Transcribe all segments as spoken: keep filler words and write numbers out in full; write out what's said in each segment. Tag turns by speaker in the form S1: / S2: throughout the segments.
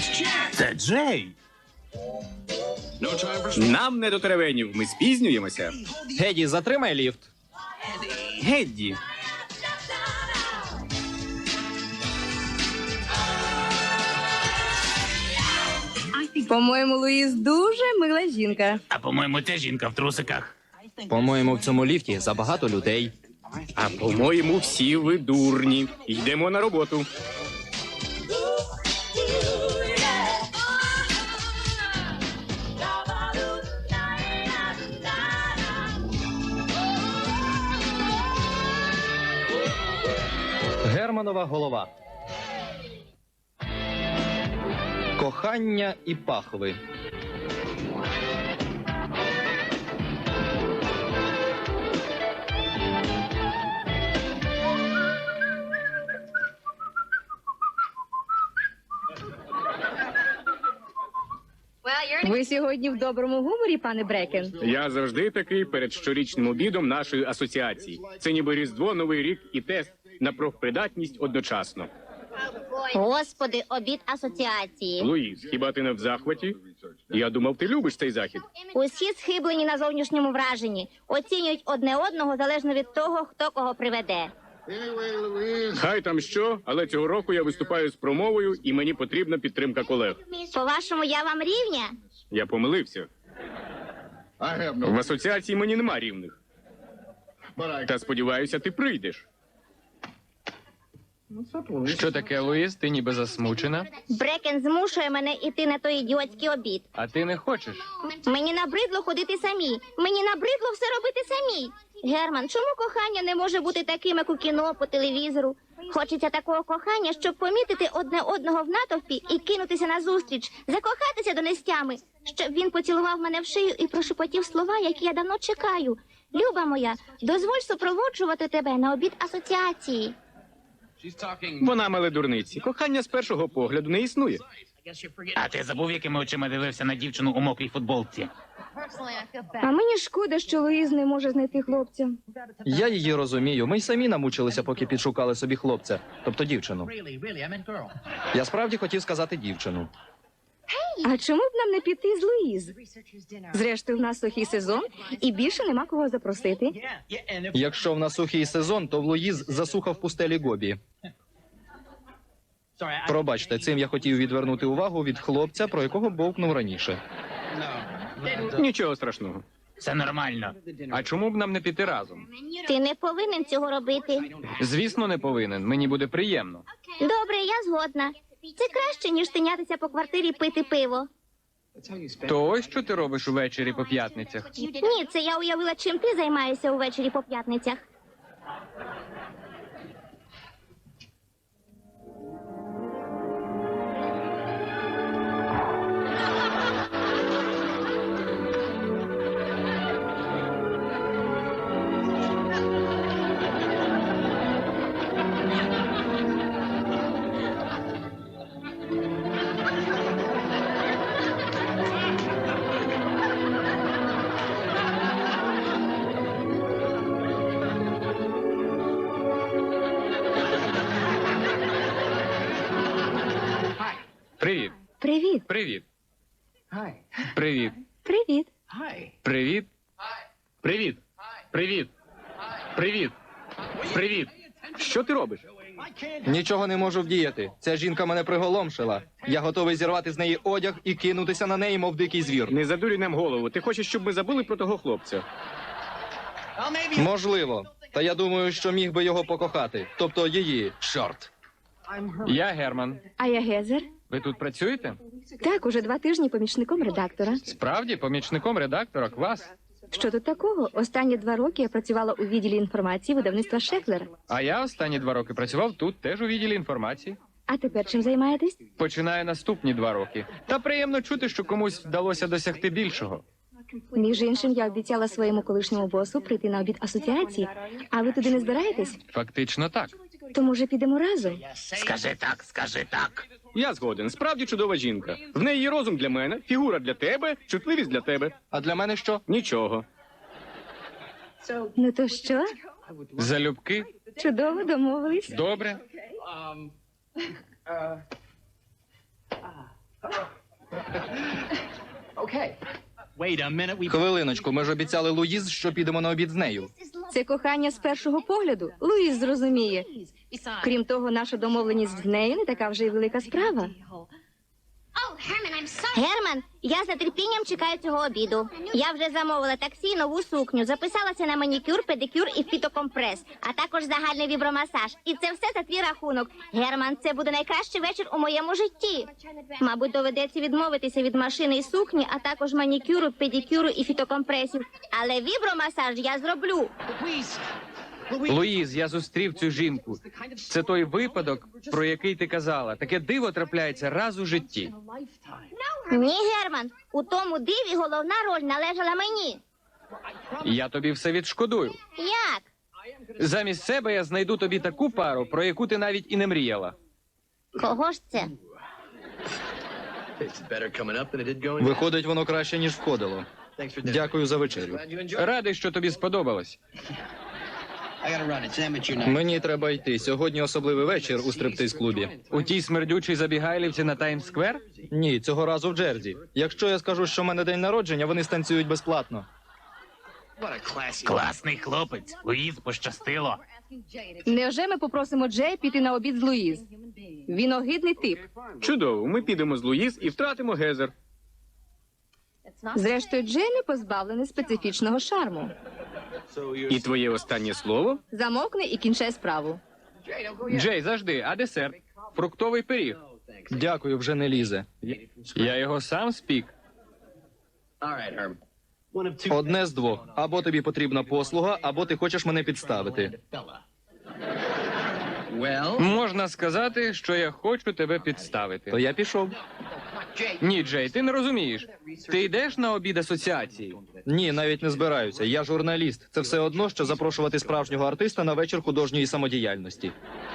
S1: Це Джей.
S2: Нам не до теревенів, ми спізнюємося.
S3: Геді, затримай ліфт.
S2: Гедді.
S4: По-моєму, Луїз дуже мила жінка.
S1: А по-моєму, це жінка в трусиках.
S3: По-моєму, в цьому ліфті забагато людей.
S2: А по-моєму, всі ви дурні. Йдемо на роботу.
S3: Германова голова. Кохання і пахви.
S4: Ви сьогодні в доброму гуморі, пане Брекен?
S2: Я завжди такий перед щорічним обідом нашої асоціації. Це ніби Різдво, Новий рік і тест на профпридатність одночасно.
S5: Господи, обід асоціації.
S2: Луїз, хіба ти не в захваті? Я думав, ти любиш цей захід.
S5: Усі схиблені на зовнішньому враженні. Оцінюють одне одного залежно від того, хто кого приведе.
S2: Хай там що, але цього року я виступаю з промовою, і мені потрібна підтримка колег.
S5: По-вашому, я вам рівня?
S2: Я помилився. В асоціації мені нема рівних. Та сподіваюся, ти прийдеш.
S6: Що таке, Луїз? Ти ніби засмучена?
S5: Брекен змушує мене йти на той ідіотський обід.
S6: А ти не хочеш?
S5: Мені набридло ходити самі. Мені набридло все робити самі. Герман, чому кохання не може бути таким, як у кіно, по телевізору? Хочеться такого кохання, щоб помітити одне одного в натовпі і кинутися назустріч, закохатися до нестями, щоб він поцілував мене в шию і прошепотів слова, які я давно чекаю. Люба моя, дозволь супроводжувати тебе на обід асоціації.
S2: Вона меле дурниці. Кохання з першого погляду не існує.
S1: А ти забув, якими очима дивився на дівчину у мокрій футболці?
S4: А мені шкода, що Луїз не може знайти хлопця.
S3: Я її розумію. Ми й самі намучилися, поки підшукали собі хлопця. Тобто дівчину. Я справді хотів сказати дівчину.
S4: А чому б нам не піти з Луїз? Зрештою, в нас сухий сезон, і більше нема кого запросити.
S3: Якщо в нас сухий сезон, то в Луїз засуха в пустелі Гобі. Пробачте, цим я хотів відвернути увагу від хлопця, про якого бовкнув раніше.
S2: Нічого страшного.
S1: Все нормально.
S6: А чому б нам не піти разом?
S5: Ти не повинен цього робити.
S6: Звісно, не повинен. Мені буде приємно.
S5: Добре, я згодна. Це краще, ніж тинятися по квартирі пити пиво.
S6: То ось що ти робиш увечері по п'ятницях?
S5: Ні, це я уявила, чим ти займаєшся увечері по п'ятницях.
S6: Привіт.
S4: Привіт.
S6: Привіт. Привіт.
S4: Привіт.
S6: Привіт.
S2: Привіт. Привіт. Привіт. Привіт. Що ти робиш?
S3: Нічого не можу вдіяти. Ця жінка мене приголомшила. Я готовий зірвати з неї одяг і кинутися на неї, мов дикий звір.
S2: Не задурюй нам голову. Ти хочеш, щоб ми забули про того хлопця?
S3: Можливо. Та я думаю, що міг би його покохати. Тобто її. Чорт.
S6: Я Герман.
S4: А я Гезер.
S6: Ви тут працюєте?
S4: Так, уже два тижні помічником редактора.
S6: Справді, помічником редактора, клас.
S4: Що тут такого? Останні два роки я працювала у відділі інформації видавництва Шеклер.
S6: А я останні два роки працював тут, теж у відділі інформації.
S4: А тепер чим займаєтесь?
S6: Починаю наступні два роки. Та приємно чути, що комусь вдалося досягти більшого.
S4: Між іншим, я обіцяла своєму колишньому босу прийти на обід асоціації. А ви туди не збираєтесь?
S6: Фактично так.
S4: То, може, підемо разом?
S1: Скажи так, скажи так.
S2: Я згоден. Справді чудова жінка. В неї є розум для мене, фігура для тебе, чутливість для тебе.
S3: А для мене що?
S2: Нічого.
S4: Ну то що?
S6: Залюбки?
S4: Чудово домовились.
S6: Добре.
S3: Хвилиночку, ми ж обіцяли Луїз, що підемо на обід з нею.
S4: Це кохання з першого погляду. Луїз зрозуміє. Крім того, наша домовленість з нею не така вже й велика справа.
S5: Герман, я з нетерпінням чекаю цього обіду. Я вже замовила таксі, нову сукню, записалася на манікюр, педикюр і фітокомпрес, а також загальний вібромасаж. І це все за твій рахунок. Герман, це буде найкращий вечір у моєму житті. Мабуть, доведеться відмовитися від машини і сукні, а також манікюру, педикюру і фітокомпресів. Але вібромасаж я зроблю.
S6: Луїз, я зустрів цю жінку. Це той випадок, про який ти казала. Таке диво трапляється раз у житті.
S5: Ні, Герман, у тому диві головна роль належала мені.
S6: Я тобі все відшкодую.
S5: Як?
S6: Замість себе я знайду тобі таку пару, про яку ти навіть і не мріяла.
S5: Кого ж це?
S3: Виходить, воно краще, ніж входило. Дякую за вечерю.
S6: Радий, що тобі сподобалось.
S3: Мені треба йти. Сьогодні особливий вечір у стриптиз-клубі.
S6: У тій смердючій забігайлівці на Таймс-сквер?
S3: Ні, цього разу в Джерзі. Якщо я скажу, що в мене день народження, вони станцюють безплатно.
S1: Класний хлопець. Луїз пощастило.
S4: Невже ми попросимо Джея піти на обід з Луїз? Він огидний тип.
S2: Чудово, ми підемо з Луїз і втратимо Гезер.
S4: Зрештою, Джей не позбавлений специфічного шарму.
S2: І твоє останнє слово?
S4: Замовкни і кінчай справу.
S6: Джей, завжди, а десерт? Фруктовий пиріг.
S3: Дякую, вже не лізе.
S6: Я його сам спік.
S3: Одне з двох. Або тобі потрібна послуга, або ти хочеш мене підставити.
S6: Можна сказати, що я хочу тебе підставити.
S3: То я пішов.
S6: Ні, Джей, ти не розумієш. Ти йдеш на обід асоціації?
S3: Ні, навіть не збираюся. Я журналіст. Це все одно, що запрошувати справжнього артиста на вечір художньої самодіяльності.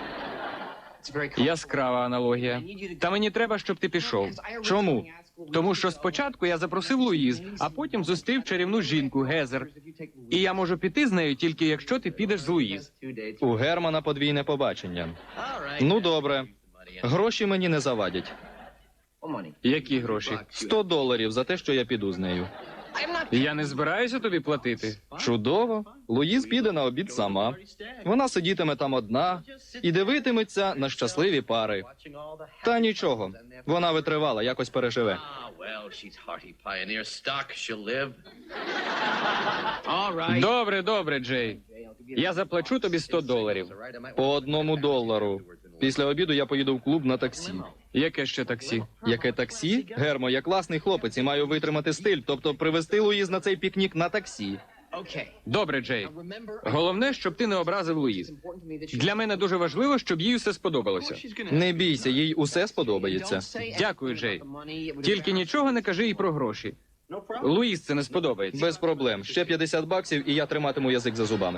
S6: Яскрава аналогія. Та мені треба, щоб ти пішов.
S3: Чому?
S6: Тому що спочатку я запросив Луїз, а потім зустрів чарівну жінку Гезер. І я можу піти з нею тільки якщо ти підеш з Луїз.
S3: У Германа подвійне побачення. Ну, добре. Гроші мені не завадять.
S6: Які гроші?
S3: Сто доларів за те, що я піду з нею.
S6: Я не збираюся тобі платити.
S3: Чудово. Луїз піде на обід сама. Вона сидітиме там одна і дивитиметься на щасливі пари. Та нічого. Вона витривала, якось переживе.
S6: Добре, добре, Джей. Я заплачу тобі сто доларів.
S3: По одному долару. Після обіду я поїду в клуб на таксі.
S6: Яке ще таксі?
S3: Яке таксі? Гермо, я класний хлопець і маю витримати стиль, тобто привезти Луїз на цей пікнік на таксі.
S6: Добре, Джей. Головне, щоб ти не образив Луїз. Для мене дуже важливо, щоб їй усе сподобалося.
S3: Не бійся, їй усе сподобається.
S6: Дякую, Джей. Тільки нічого не кажи їй про гроші. Луїз це не сподобається.
S3: Без проблем. Ще п'ятдесят баксів, і я триматиму язик за зубами.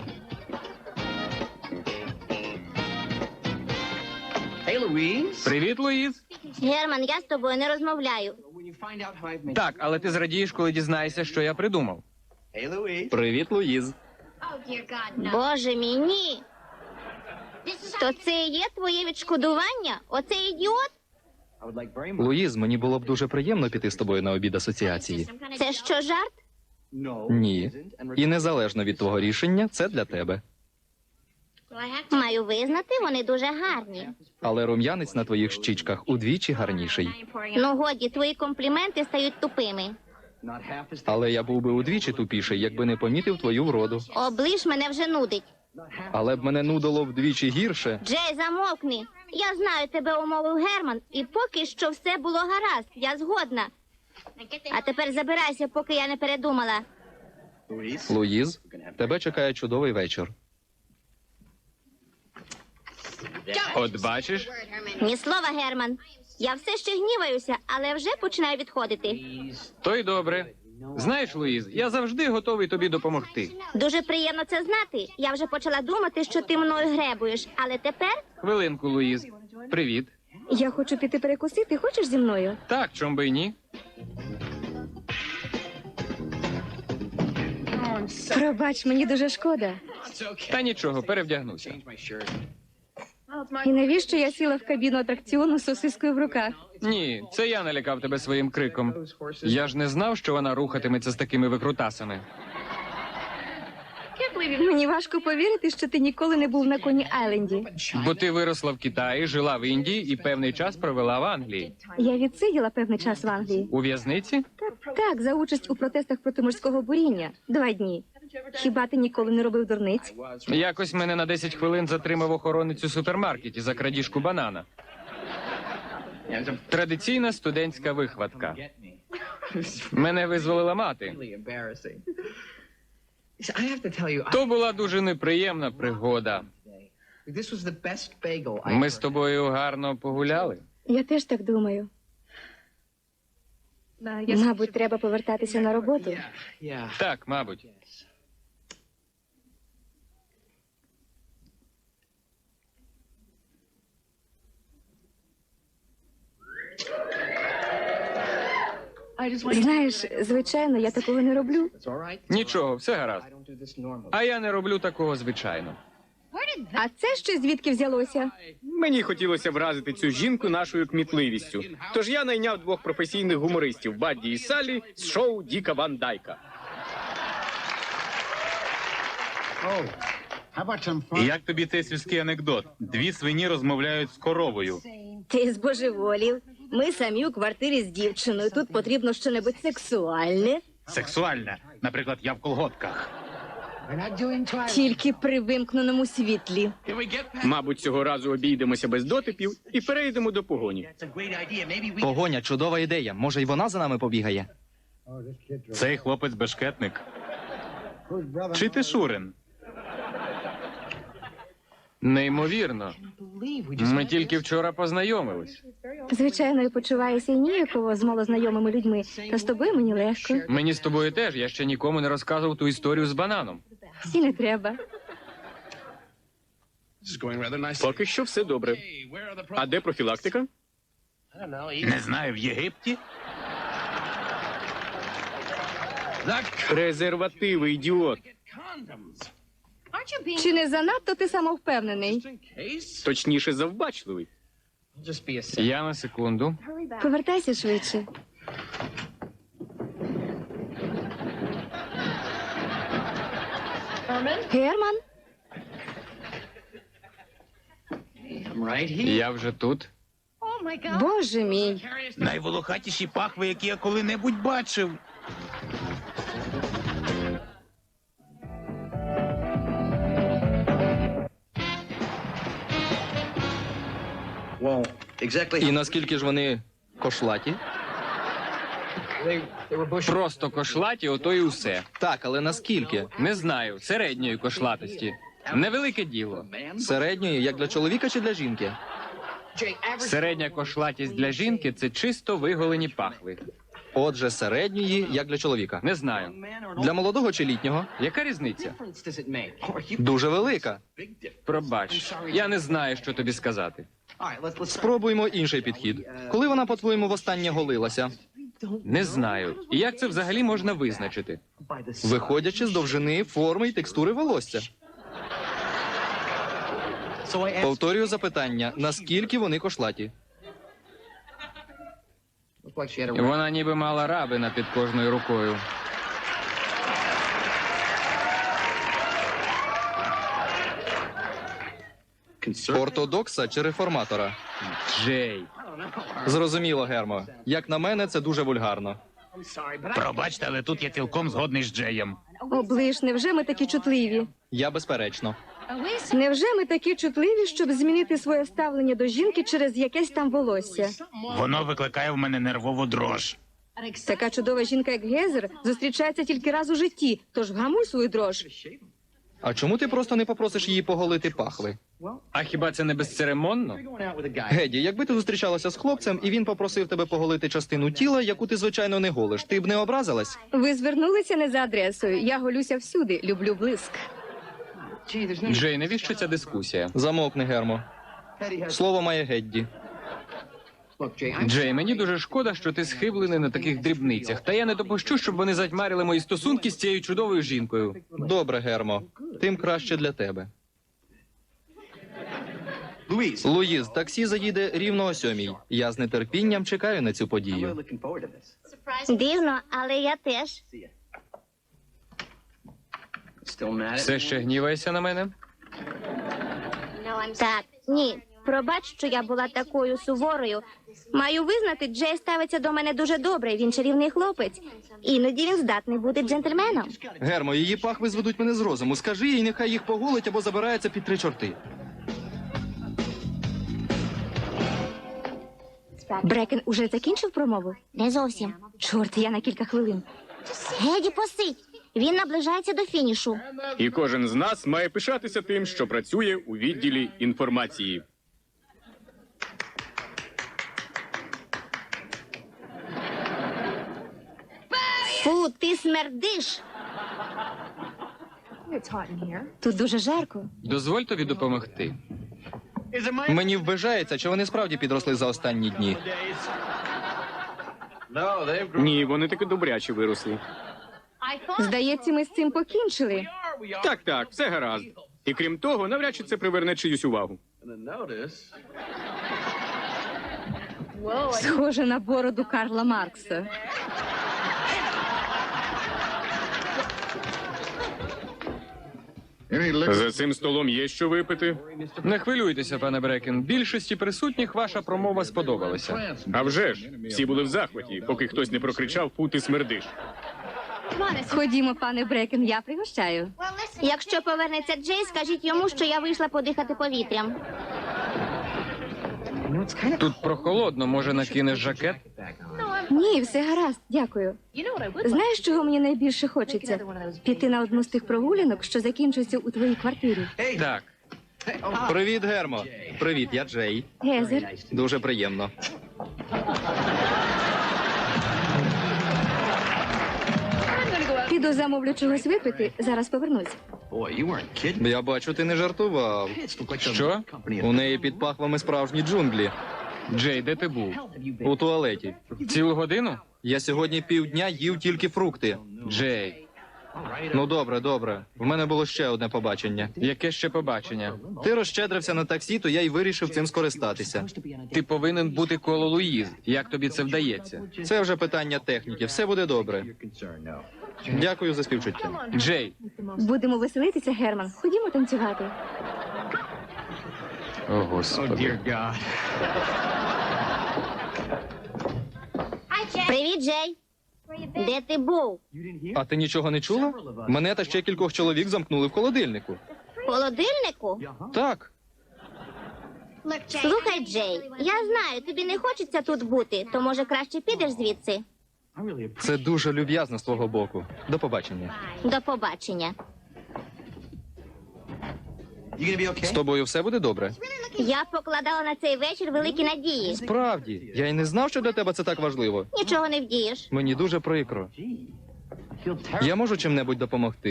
S6: Привіт, Луїз.
S5: Герман, я з тобою не розмовляю.
S6: Так, але ти зрадієш, коли дізнаєшся, що я придумав.
S3: Привіт, Луїз.
S5: Боже мій, ні. То це і є твоє відшкодування? Оцей ідіот?
S3: Луїз, мені було б дуже приємно піти з тобою на обід асоціації.
S5: Це що, жарт?
S3: Ні. І незалежно від твого рішення, це для тебе.
S5: Маю визнати, вони дуже гарні.
S3: Але рум'янець на твоїх щічках удвічі гарніший.
S5: Ну годі, твої компліменти стають тупими.
S3: Але я був би удвічі тупіший, якби не помітив твою вроду.
S5: Оближ мене вже нудить.
S3: Але б мене нудило вдвічі гірше.
S5: Джей, замовкни. Я знаю, тебе умовив Герман, і поки що все було гаразд. Я згодна. А тепер забирайся, поки я не передумала.
S3: Луїз, тебе чекає чудовий вечір.
S6: От бачиш?
S5: Ні слова, Герман. Я все ще гніваюся, але вже починаю відходити.
S6: То й добре. Знаєш, Луїз, я завжди готовий тобі допомогти.
S5: Дуже приємно це знати. Я вже почала думати, що ти мною гребуєш, але тепер
S6: Хвилинку, Луїз. Привіт.
S4: Я хочу піти перекусити. Хочеш зі мною?
S6: Так, чом би й ні?
S4: Пробач, мені дуже шкода.
S6: Та нічого, перевдягнуся.
S4: І навіщо я сіла в кабіну атракціону з сосискою в руках?
S6: Ні, це я налякав тебе своїм криком. Я ж не знав, що вона рухатиметься з такими викрутасами.
S4: Мені важко повірити, що ти ніколи не був на Коні Айленді.
S6: Бо ти виросла в Китаї, жила в Індії і певний час провела в Англії.
S4: Я відсиділа певний час в Англії.
S6: У в'язниці?
S4: Так, за участь у протестах проти морського буріння. Два дні. Хіба ти ніколи не робив дурниць?
S6: Якось мене на десять хвилин затримав охоронець у супермаркеті за крадіжку банана. Традиційна студентська вихватка. Мене визволила мати. То була дуже неприємна пригода. Ми з тобою гарно погуляли.
S4: Я теж так думаю. Мабуть, треба повертатися на роботу.
S6: Так, мабуть.
S4: Знаєш, звичайно, я такого не роблю.
S6: Нічого, все гаразд. А я не роблю такого звичайно.
S4: А це ще звідки взялося?
S2: Мені хотілося вразити цю жінку нашою кмітливістю. Тож я найняв двох професійних гумористів Бадді і Саллі з шоу Діка Ван Дайка.
S1: Як тобі цей сільський анекдот? Дві свині розмовляють з коровою.
S4: Ти збожеволів. Ми самі у квартирі з дівчиною. Тут потрібно щонебудь сексуальне.
S1: Сексуальна. Наприклад, я в колготках.
S4: Тільки при вимкненому світлі.
S2: Мабуть, цього разу обійдемося без дотипів і перейдемо до погоні.
S3: Погоня, чудова ідея. Може, й вона за нами побігає?
S1: Цей хлопець бешкетник. Чи ти Шурин?
S6: Неймовірно. Ми тільки вчора познайомились.
S4: Звичайно, я почуваюся ніяково з малознайомими людьми. Та з тобою мені легко.
S6: Мені з тобою теж. Я ще нікому не розказував ту історію з бананом.
S4: Всі не треба.
S2: Поки що все добре. А де профілактика?
S1: Не знаю, в Єгипті?
S2: Презервативи, ідіот.
S4: Чи не занадто ти самовпевнений?
S2: Точніше, завбачливий.
S6: Я на секунду.
S4: Повертайся швидше. Герман?
S6: Я вже тут.
S4: Боже мій.
S1: Найволохатіші пахви, які я коли-небудь бачив.
S3: І наскільки ж вони кошлаті?
S6: Просто кошлаті, ото і усе.
S3: Так, але наскільки?
S6: Не знаю, середньої кошлатості. Невелике діло.
S3: Середньої, як для чоловіка чи для жінки?
S6: Середня кошлатість для жінки – це чисто виголені пахви.
S3: Отже, середньої, як для чоловіка.
S6: Не знаю.
S3: Для молодого чи літнього?
S6: Яка різниця?
S3: Дуже велика.
S6: Пробач, я не знаю, що тобі сказати.
S3: Спробуймо інший підхід. Коли вона, по-твоєму, востаннє голилася?
S6: Не знаю. І як це взагалі можна визначити?
S3: Виходячи з довжини, форми і текстури волосся. Повторюю запитання, наскільки вони кошлаті?
S6: Вона ніби мала рабина під кожною рукою.
S3: Ортодокса чи реформатора?
S6: Джей.
S3: Зрозуміло, Гермо. Як на мене, це дуже вульгарно.
S1: Пробачте, але тут я цілком згодний з Джеєм.
S4: Оближ, невже ми такі чутливі?
S3: Я безперечно.
S4: Невже ми такі чутливі, щоб змінити своє ставлення до жінки через якесь там волосся?
S1: Воно викликає в мене нервову дрож.
S4: Така чудова жінка, як Гезер, зустрічається тільки раз у житті, тож вгамуй свою дрож.
S3: А чому ти просто не попросиш її поголити пахви?
S6: А хіба це не безцеремонно?
S3: Геді, якби ти зустрічалася з хлопцем, і він попросив тебе поголити частину тіла, яку ти, звичайно, не голиш, ти б не образилась?
S4: Ви звернулися не за адресою. Я голюся всюди, люблю блиск.
S6: Джей, навіщо ця дискусія?
S3: Замовкни, Гермо. Слово має Гедді.
S6: Джей, мені дуже шкода, що ти схиблений на таких дрібницях. Та я не допущу, щоб вони затьмарили мої стосунки з цією чудовою жінкою.
S3: Добре, Гермо. Тим краще для тебе. Луїз, таксі заїде рівно о сьомій. Я з нетерпінням чекаю на цю подію.
S5: Дивно, але я теж.
S6: Все ще гніваєшся на мене?
S5: Так, ні. Пробач, що я була такою суворою. Маю визнати, Джей ставиться до мене дуже добре. Він чарівний хлопець. Іноді він здатний бути джентльменом.
S3: Гермо, її пахви зведуть мене з розуму. Скажи їй, нехай їх поголить або забирається під три чорти.
S4: Брекен уже закінчив промову?
S5: Не зовсім.
S4: Чорт, я на кілька хвилин.
S5: Геді, посидь. Він наближається до фінішу.
S2: І кожен з нас має пишатися тим, що працює у відділі інформації.
S5: Фу, ти смердиш.
S4: Тут дуже жарко.
S6: Дозволь тобі допомогти.
S3: Мені вважається, чи вони справді підросли за останні дні.
S2: Ні, вони таки добряче виросли.
S4: Здається, ми з цим покінчили.
S2: Так, так, все гаразд. І крім того, навряд чи це приверне чиюсь увагу.
S4: Схоже на бороду Карла Маркса.
S2: За цим столом є що випити.
S6: Не хвилюйтеся, пане Брекен. Більшості присутніх ваша промова сподобалася.
S2: А вже ж, всі були в захваті, поки хтось не прокричав «Фу, ти смердиш».
S4: Ходімо, пане Брекен, я пригощаю.
S5: Якщо повернеться Джей, скажіть йому, що я вийшла подихати повітрям.
S6: Тут прохолодно, може накинеш жакет?
S4: Ні, все гаразд, дякую. Знаєш, чого мені найбільше хочеться? Піти на одну з тих прогулянок, що закінчується у твоїй квартирі.
S6: Так.
S3: Привіт, Гермо. Привіт, я Джей.
S4: Гезер,
S3: Дуже приємно.
S4: піду замовлю чогось випити, зараз повернусь.
S3: Я бачу, ти не жартував.
S6: Що?
S3: У неї під пахвами справжні джунглі.
S6: Джей, де ти був?
S3: У туалеті.
S6: Цілу годину?
S3: Я сьогодні півдня їв тільки фрукти.
S6: Джей,
S3: Ну добре, добре. В мене було ще одне побачення.
S6: яке ще побачення?
S3: Ти розщедрився на таксі, то я й вирішив цим скористатися.
S6: Ти повинен бути коло Луїз. Як тобі це вдається?
S3: Це вже питання техніки. Все буде добре. Дякую за співчуття.
S6: Джей,
S4: Будемо веселитися, Герман. Ходімо танцювати.
S6: о господи.
S5: Привіт, Джей. Де ти був?
S3: А ти нічого не чула? Мене та ще кількох чоловік замкнули в холодильнику.
S5: В холодильнику?
S3: Так.
S5: Слухай, Джей, я знаю, тобі не хочеться тут бути, то може краще підеш звідси.
S3: Це дуже люб'язно з твого боку. До побачення.
S5: До побачення.
S3: З тобою все буде добре?
S5: Я покладала на цей вечір великі надії.
S3: Справді, я й не знав, що для тебе це так важливо.
S5: Нічого не вдієш.
S3: Мені дуже прикро. Я можу чим-небудь допомогти?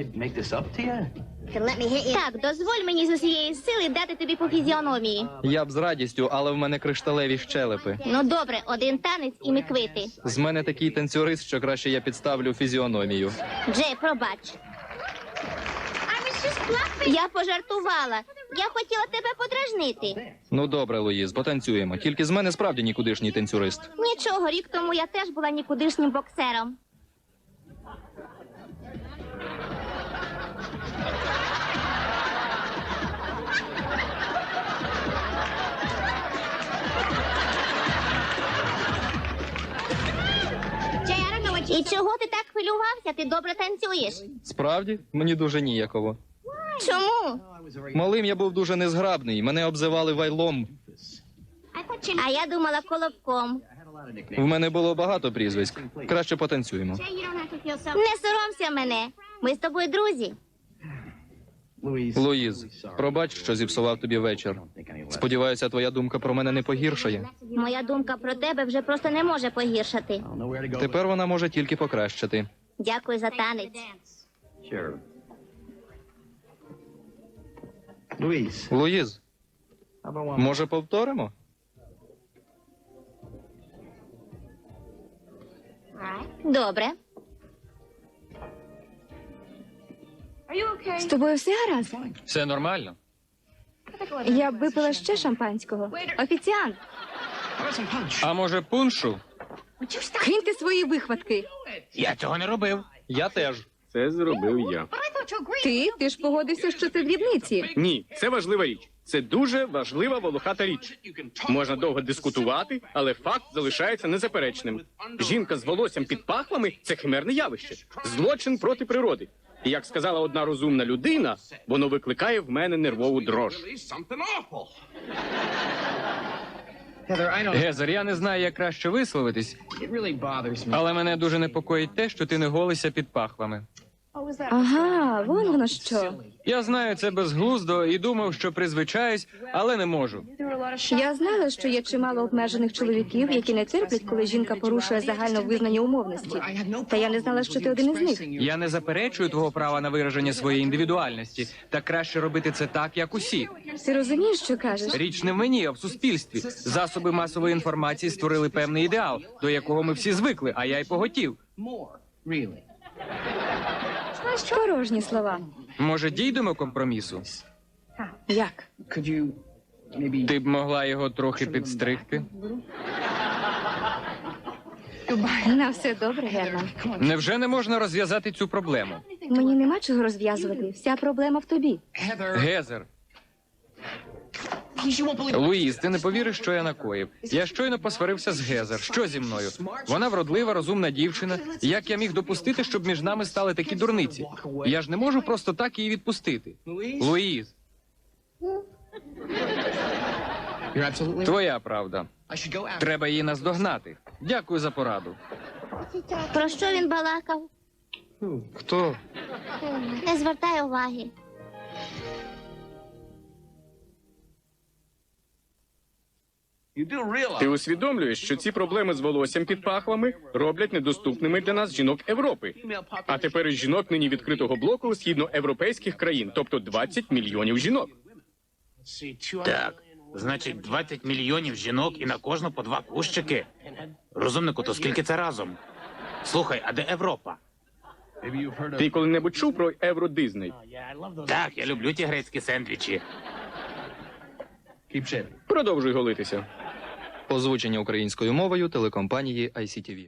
S5: Так, дозволь мені з усієї сили дати тобі по фізіономії.
S3: Я б з радістю, але в мене кришталеві щелепи.
S5: Ну добре, один танець і ми квити.
S3: З мене такий танцюрист, що краще я підставлю фізіономію.
S5: Джей, пробач. Я пожартувала. Я хотіла тебе подражнити.
S3: Ну добре, Луїз, потанцюємо. Тільки з мене справді нікудишній танцюрист.
S5: Нічого, рік тому я теж була нікудишнім боксером. І чого ти так хвилювався? Ти добре танцюєш.
S3: Справді? Мені дуже ніяково.
S5: Чому?
S3: Малим я був дуже незграбний, мене обзивали вайлом.
S5: А я думала колобком.
S3: В мене було багато прізвиськ. Краще потанцюємо.
S5: Не соромся мене. Ми з тобою друзі.
S3: Луїз, пробач, що зіпсував тобі вечір. Сподіваюся, твоя думка про мене не погіршає.
S5: Моя думка про тебе вже просто не може погіршати.
S3: Тепер вона може тільки покращити.
S5: Дякую за танець.
S3: Луїз, може повторимо?
S5: Добре.
S4: З тобою все гаразд?
S6: Все нормально?
S4: Я б випила ще шампанського. Офіціант,
S6: А може пуншу?
S4: киньте свої вихватки.
S1: Я цього не робив.
S3: Я теж.
S2: Це зробив я.
S4: Ти? Ти ж погодився, що це дрібниці.
S2: Ні, це важлива річ. Це дуже важлива волохата річ. Можна довго дискутувати, але факт залишається незаперечним. Жінка з волоссям під пахвами – це химерне явище. Злочин проти природи. І як сказала одна розумна людина, воно викликає в мене нервову дрож.
S6: Гезер, я не знаю, як краще висловитись, але мене дуже непокоїть те, що ти не голишся під пахвами.
S4: Ага, вон воно що.
S6: Я знаю, це безглуздо і думав, що призвичаюсь, але не можу.
S4: Я знала, що є чимало обмежених чоловіків, які не терплять, коли жінка порушує загально визнані умовності. Та я не знала, що ти один із них.
S6: Я не заперечую твого права на вираження своєї індивідуальності, та краще робити це так, як усі.
S4: Ти розумієш, що кажеш?
S6: Річ не в мені, а в суспільстві. Засоби масової інформації створили певний ідеал, до якого ми всі звикли, а я й поготів.
S4: Порожні слова.
S6: Може, дійдемо компромісу?
S4: Як?
S6: Ти б могла його трохи підстригти?
S4: На все добре, Герман.
S6: Невже не можна розв'язати цю проблему?
S4: Мені нема чого розв'язувати. Вся проблема в тобі.
S6: Гезер. Луїз, ти не повіриш, що я накоїв. Я щойно посварився з Гезер. Що зі мною? Вона вродлива, розумна дівчина. Як я міг допустити, щоб між нами стали такі дурниці? Я ж не можу просто так її відпустити. Луїз. Твоя правда. Треба її наздогнати. Дякую за пораду.
S5: Про що він балакав?
S3: Хто?
S5: Не звертай уваги.
S2: Ти усвідомлюєш, що ці проблеми з волоссям під пахвами роблять недоступними для нас жінок Європи. А тепер із жінок нині відкритого блоку східноєвропейських країн, тобто двадцять мільйонів жінок.
S1: Так, значить, двадцять мільйонів жінок і на кожну по два кущики. Розумнику, то скільки це разом? Слухай, а де Європа?
S2: Ти коли-небудь чув про Євро-Дизней?
S1: Так, я люблю ті грецькі сендвічі.
S2: Продовжуй голитися.
S3: Озвучення українською мовою телекомпанії ай сі ті ві.